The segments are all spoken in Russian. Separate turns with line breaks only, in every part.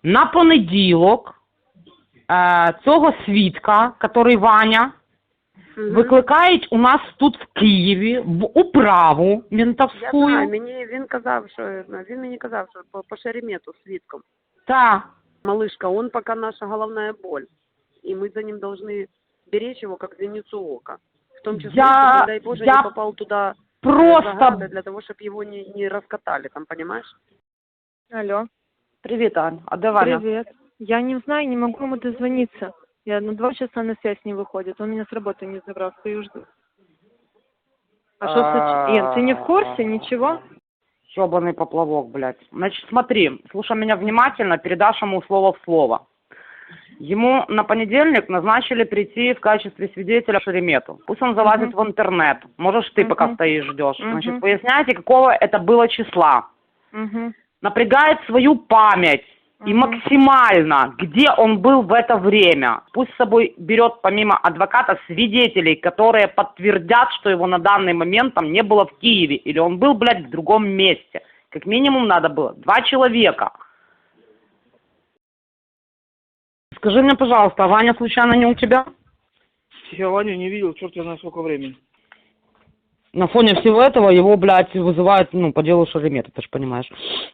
на понеділок цього свідка, який Ваня, викликають у нас тут в Києві в управу ментовську.
Я знаю, він мені казав, що по Шеремету свідком.
Так.
Малышка, он пока наша головная боль. И мы за ним должны беречь его, как зеницу ока. В том числе, чтобы, дай Боже, не попал туда
просто
для того, чтобы его не раскатали, там, понимаешь?
Алло.
Привет, Ань. А где Ваня?
Привет. Я не знаю, не могу ему дозвониться. Я на 2 часа на связь не выходит. Он меня с работы не забрал, стою жду. А что случилось? Ты не в курсе? Ничего?
Ёбаный поплавок, блядь. Значит, смотри, слушай меня внимательно, передашь ему слово в слово. Ему на понедельник назначили прийти в качестве свидетеля в Шеремету. Пусть он залазит в интернет. Можешь ты пока стоишь, ждешь. Значит, выясняйте, какого это было числа. Напрягает свою память. И максимально, где он был в это время. Пусть с собой берет помимо адвоката свидетелей, которые подтвердят, что его на данный момент там не было в Киеве. Или он был, блядь, в другом месте. Как минимум надо было 2 человека. Скажи мне, пожалуйста, а Ваня случайно не у тебя?
Я Ваню не видел, черт я знаю сколько времени.
На фоне всего этого его, блядь, вызывают, по делу Шеремета, ты же понимаешь.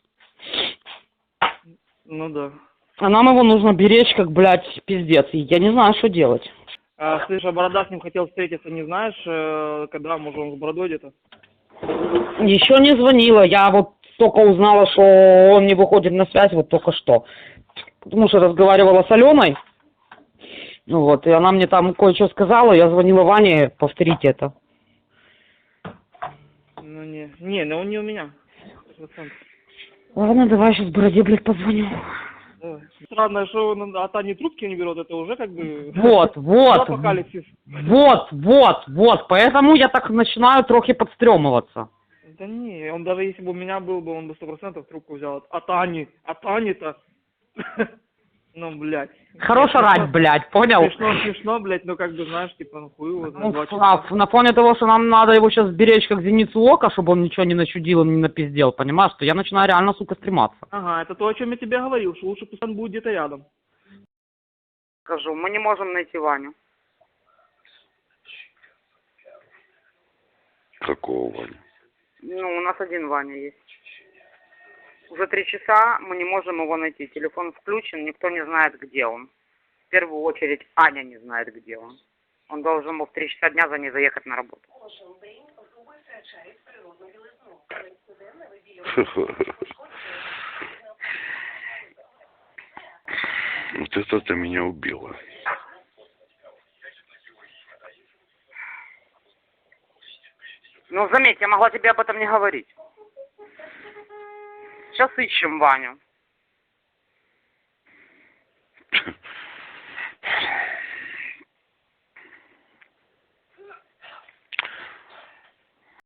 Ну да.
А нам его нужно беречь, как, блядь, пиздец. И я не знаю, что делать.
Слышь, а Борода с ним хотел встретиться, не знаешь, когда, может, он с Бородой где-то?
Еще не звонила. Я вот только узнала, что он не выходит на связь вот только что. Потому что разговаривала с Аленой. Вот, и она мне там кое-что сказала. Я звонила Ване повторить это.
Ну не, он не у меня. 100%.
Ладно, давай сейчас Бороде, блядь, позвоню.
Давай. Странно, что он от Ани трубки не берет, это уже как бы...
Вот.
Апокалипсис.
Вот. Поэтому я так начинаю трохи подстремываться.
Да не, он даже если бы у меня был бы, он бы 100% трубку взял. От Ани-то. Ну, блядь.
Хорош орать, блядь, понял?
Смешно, блядь, ну как бы, знаешь, типа, ну хуй его,
Ну, на фоне того, что нам надо его сейчас беречь как зеницу ока, чтобы он ничего не начудил и не напиздел, понимаешь, что я начинаю реально, сука, стрематься.
Ага, это то, о чем я тебе говорил, что лучше пусть он будет где-то рядом.
Скажу, мы не можем найти Ваню.
Какого Ваню?
Ну, у нас один Ваня есть. Уже 3 часа мы не можем его найти. Телефон включен, никто не знает, где он. В первую очередь Аня не знает, где он. Он должен был в 3 часа дня за ней заехать на работу.
Вот это меня убило.
Ну, заметь, я могла тебе об этом не говорить. Сейчас ищем Ваню.